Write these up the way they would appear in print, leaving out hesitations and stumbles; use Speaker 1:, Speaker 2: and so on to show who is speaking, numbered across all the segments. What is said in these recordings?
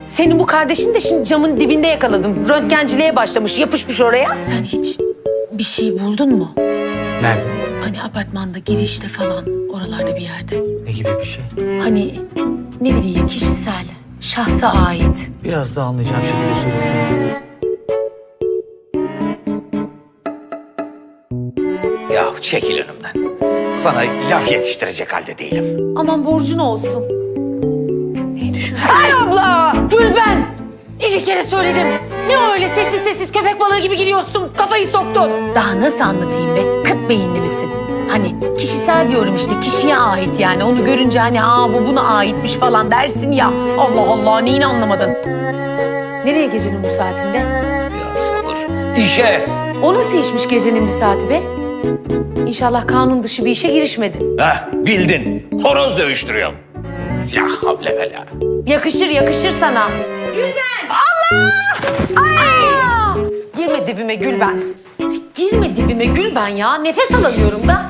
Speaker 1: Senin bu kardeşin de şimdi camın dibinde yakaladım. Röntgenciliğe başlamış, yapışmış oraya. Sen hiç bir şey buldun mu?
Speaker 2: Nerede?
Speaker 1: Hani apartmanda girişte falan, oralarda bir yerde.
Speaker 2: Ne gibi bir şey?
Speaker 1: Hani ne bileyim kişisel, şahsa ait.
Speaker 2: Biraz daha anlayacağım şekilde söyleseniz.
Speaker 3: Ya çekil önümden. Sana laf yetiştirecek halde değilim.
Speaker 1: Aman borcun olsun.
Speaker 3: Neyi düşünüyorsun?
Speaker 1: Ay abla! Gülben! 50 kere söyledim. Ne öyle sessiz sessiz köpek balığı gibi giriyorsun, kafayı soktun. Daha nasıl anlatayım be? Kıt beyinli misin? Hani kişisel diyorum işte, kişiye ait yani. Onu görünce hani bu buna aitmiş falan dersin ya. Allah Allah, neyini anlamadın? Nereye gecenin bu saatinde?
Speaker 3: Ya sabır. İşe.
Speaker 1: O nasıl işmiş gecenin bir saati be? İnşallah kanun dışı bir işe girişmedin.
Speaker 3: Heh, bildin. Horoz dövüştürüyorum. La havle ve la.
Speaker 1: Yakışır yakışır sana. Gülben! Allah! Ay! Girme dibime Gülben. Girme dibime Gülben ya. Nefes alamıyorum da.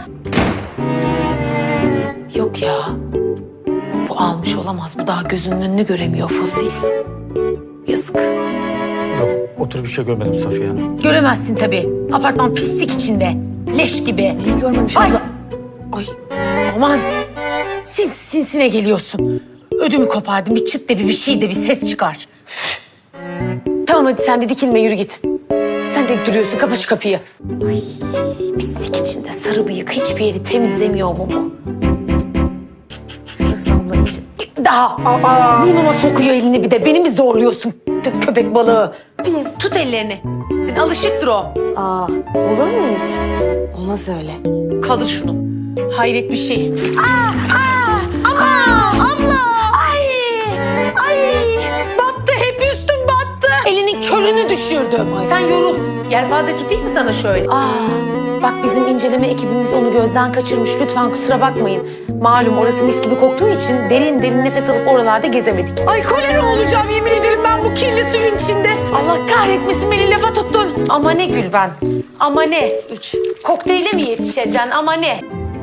Speaker 1: Yok ya. Bu almış olamaz. Bu daha gözünün önünü göremiyor fosil. Yazık.
Speaker 2: Yok, o tür bir şey görmedim Safiye Hanım.
Speaker 1: Göremezsin tabii. Apartman pislik içinde. Leş gibi.
Speaker 4: Neyi görmemiş
Speaker 1: Ay.
Speaker 4: abla?
Speaker 1: Ay. Aman. Sinsine geliyorsun. Ödümü kopardın. Bir çıt de bir şey de bir ses çıkar. Tamam hadi sen de dikilme, yürü git. Sen de duruyorsun, kapa şu kapıyı. Ay, pislik içinde sarı bıyık, hiçbir yeri temizlemiyor mu bu? Şurası abla iyice. Daha. Burnuma sokuyor elini bir de. Beni mi zorluyorsun köpek balığı? Tut ellerini. Alışıktır o.
Speaker 4: Olur mu hiç? Olmaz öyle.
Speaker 1: Kaldır şunu. Hayret bir şey. Abla! Ay! Battı, hep üstüm battı. Elinin körünü düşürdüm. Sen yorul. Yelpaze tutayım mı sana şöyle? Bak bizim inceleme ekibimiz onu gözden kaçırmış. Lütfen kusura bakmayın. Malum orası mis gibi koktuğu için derin derin nefes alıp oralarda gezemedik. Ay kolera olacağım yemin ederim ben bu kirli suyun içinde. Allah kahretmesin, beni lafa tuttun. Ama ne Gülben? Ama ne? Kokteyle mi yetişeceksin? Ama ne?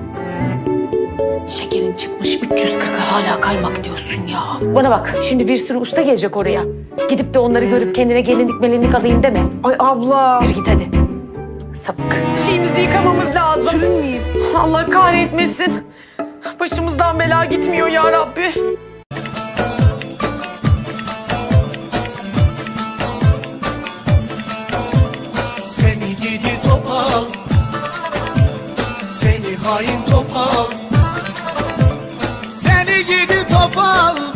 Speaker 1: Şekerin çıkmış 340'a hala kaymak diyorsun ya. Bana bak, şimdi bir sürü usta gelecek oraya. Gidip de onları görüp kendine gelinlik melinlik alayım deme.
Speaker 4: Ay abla.
Speaker 1: Yürü git hadi. Sapık. Şeyimizi yıkamamız lazım.
Speaker 4: Sürünmeyeyim.
Speaker 1: Allah kahretmesin. Başımızdan bela gitmiyor ya Rabbi.
Speaker 5: Seni gidi topal, seni hain topal, seni gidi topal.